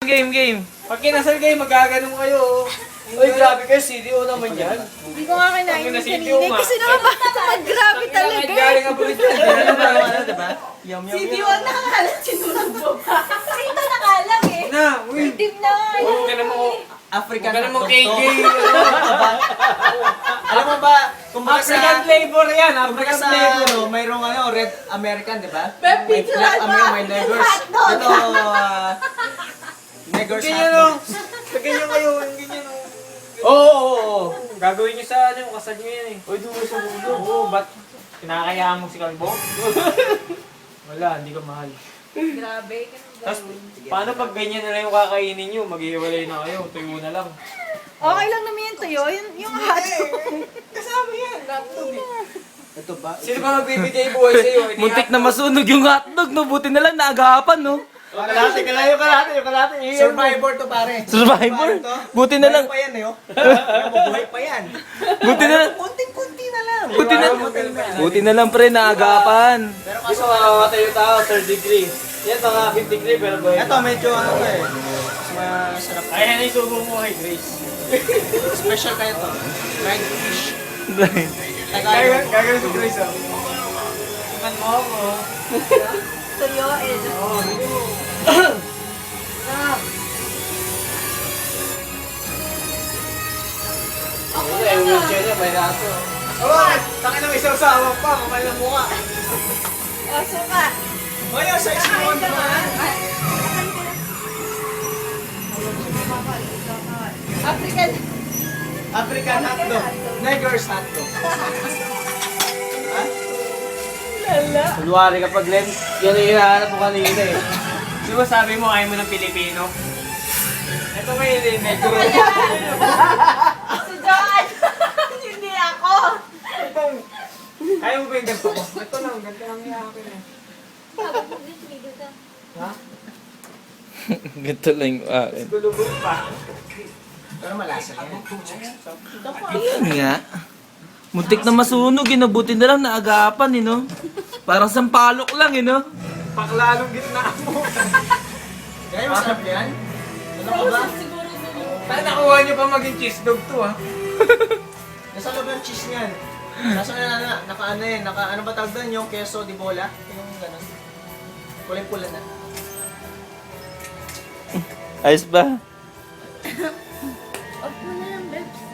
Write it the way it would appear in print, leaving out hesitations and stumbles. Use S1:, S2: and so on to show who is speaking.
S1: Game.
S2: Pag kinasal kayo, magaganon kayo. Uy, grabe kayo, CDO naman yan.
S3: Hindi ko nga kinain yung
S2: CDO
S3: kanina.
S2: nga.
S3: Kasi naman baka mag-grabe talaga eh.
S2: Galing ang bulit yan.
S1: Diba? Yum.
S3: CDO ang nakakalat sinunod mo pa. Ito nakalang eh.
S2: Na, uy.
S3: Itim na nga.
S2: Huwag ka naman ko.
S1: African
S2: Huwag ka naman
S1: hotdog to.
S2: KK.
S1: Alam mo ba, kumbaga
S2: African flavor yan,
S1: kumbaga
S2: African
S1: sa
S2: flavor.
S1: mayroong red American, di ba?
S3: May
S1: May
S3: picture
S1: black
S3: ba?
S1: American, may negers.
S3: Hotdog.
S1: Ito, negers
S2: Ganyan o.
S1: hotdog.
S2: Ganyan kayo, ganyan o. Oo. Gagawin niyo sa kasal niyo yan eh. Uy, dulo sa ulo. Oo, ba't kinakayaan mo si Kalbo? Wala, hindi ka mahal.
S3: Grabe.
S2: Tapos, paano pag ganyan na lang yung kakainin niyo? Maghihiwalay na kayo, tuyo na lang.
S3: Okay lang naman yung tuyo. Yung hotdog.
S2: Kasama yan, laptop eh.
S1: Ito ba?
S2: Sino ba magbibigay buhay sa'yo?
S4: Muntik na masunog yung hotdog, no? Buti na lang naagapan, no?
S2: Kalate.
S1: Survivor to pare.
S4: Survivor?
S1: Paano to?
S4: Buti na lang.
S1: Buhay pa yan eh, oh. Buhay pa yan.
S4: Buti na lang.
S1: Kunting-kunti na lang.
S4: Buti na lang, pre, naagapan.
S1: Pero
S2: Kasi
S1: kaso,
S2: makamatay yung tao, 3rd degree. Yan, mga 5th degree, pero buhay.
S1: ito medyo ano to eh. Mas masarap.
S2: Ay, yan yung subo mo kay Grace.
S1: Special kayo to. Fried fish. Tagalog.
S2: Gagawin si Grace, oh. Iman mo ako.
S3: Tuyo eh.
S2: Oo, hindi mo. Ako na, yung wheelchair niya, may raso. Oo, takin na may sawsawan pa, kamay ng mukha.
S3: O, suka.
S1: Hoy, sa isipon naman.
S3: African.
S1: African hotdog. Negers hotdog. Ha?
S3: Lala.
S2: Kunwari kapag Len, yan ang hinahanap mo kanina eh. Di ba sabi mo ayaw mo ng Pilipino? Ito kayo din, negro.
S3: Si John. Hindi ako.
S2: Ayaw mo ba yung ganito ko? Ito lang, ganito lang yung akin eh. Ha?
S4: Ganito lang yung akin.
S2: Gulubog pa.
S1: Pero malasa yan.
S4: Ayun nga. Muntik na masunog, eh, no? Buti na lang naagapan, eh, no? Parang sampalok lang, eh, no?
S2: Paklalong gitna mo.
S1: Kaya masarap yan? Ano ka ba?
S2: Saan nakuha niyo pa maging cheese dog to ha?
S1: Nasa loob yung cheese niyan. Nasa naka ano yan, naka ano ba tawag doon? Yung queso di bola? Yung gano'n. Kulay-pula na.
S4: Ayos ba?
S3: Off mo na lang